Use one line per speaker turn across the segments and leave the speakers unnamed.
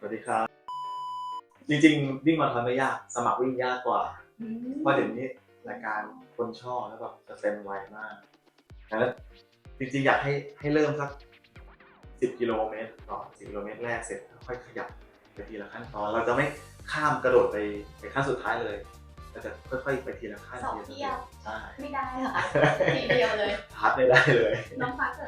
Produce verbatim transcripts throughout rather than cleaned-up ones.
วัสดีครับจริงๆวิ่งมาราธอนไม่ยากสมัครวิ่งยากกว่าเพราะเดี๋ยวนี้รายการคนชอบแล้วแบบจะเต็มไวมากแล้วจริงๆอยากให้ให้เริ่มสักสิบกิโลเมตรก่อนสิบกิโลเมตรแรกเสร็จค่อยขยับไปทีละขั้นตอนเราจะไม่ข้ามกระโดดไปไปขั้นสุดท้ายเลยเราจะค่อยๆไปทีละขั้น
สองเที่ยว
ใช่
ไม่ได้เหรอทีเดียวเลย
พัดไม่ได้เลย
น้องฟ้าเกิด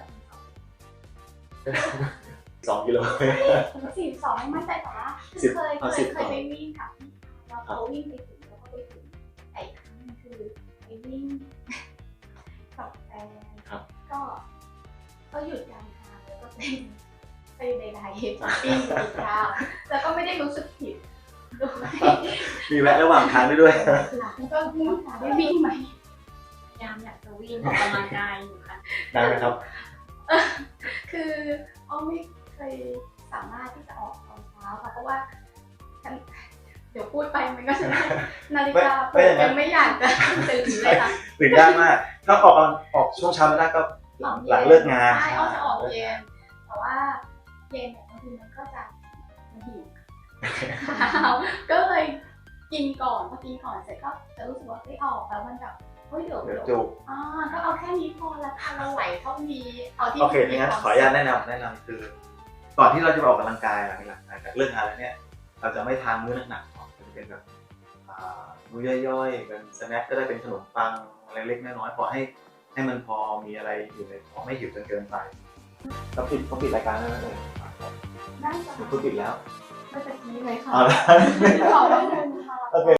สองกิโลเมตร
สี่สองไม่มั่นใจแต่ว่าเคยเคยเคยไปวิ่งกับเราเขาวิ่งไปถึงแล้วก็ไปถึงไอ้ครั้งนึงคือไปวิ่งกับแฟนก็ก็หยุดกลางทางแล้วก็ไปไปใดๆช้อปปิ้งกินข้าวแล้วก็ไม่ได้รู้สึกผิด
มีแวะระหว่างทางด้วยด้วย
แล้วก็มุ่งหาได้วิ่งไหมพยายามอยากจะวิ่งออกกำลังกายอยู่ค่ะ
ได้ไหมครับ
คืออ้อไม่เคยสามารถที่จะออกตอนเช้าค่ะเพราะว่าเดี๋ยวพูดไปมันก็จะนาฬิกาปลุกยังไม่อยากจะตื่นเลยค่ะ
ตื่นยากมากถ้าออกออกช่วงเช้าไม่ได้ก็หลังหลังเลิกงาน
ใช่อ้อจะออกเย็นแต่ว่าเย็นเนี่ยบางทีมันก็จะหิวก็เลยกินก่อนพอกินก่อนเสร็จก็จะรู้สึกว่าได้ออกแล้วมันแบบเฮ้ยเดี๋ยวเดี๋ยว
จุก
อ่าก็เอาแค่นี้พอละค่ะเราไหวเท่านี้เอาที่
โอเคงั้นขออนุญาตแนะนำแนะนำคือก่อนที่เราจะออกกำลังกายหลังหลังจากเลิกงานแล้วเนี่ยเราจะไม่ทานมื้อหนักๆก่อนจะเป็นแบบมื้อย่อยๆเป็นสแน็คก็ได้เป็นขนมปังอะไรเล็กน้อยๆพอให้ให้มันพอมีอะไรอยู่ในท้องไม่หิวจนเกินไปเราปิดเขาปิดรายการแล้วเลย
ได้ค่ะ
คุณปิดแล้ว
ไม่เป็นนี้เลยค่ะ
ขอบคุณค่ะโอเค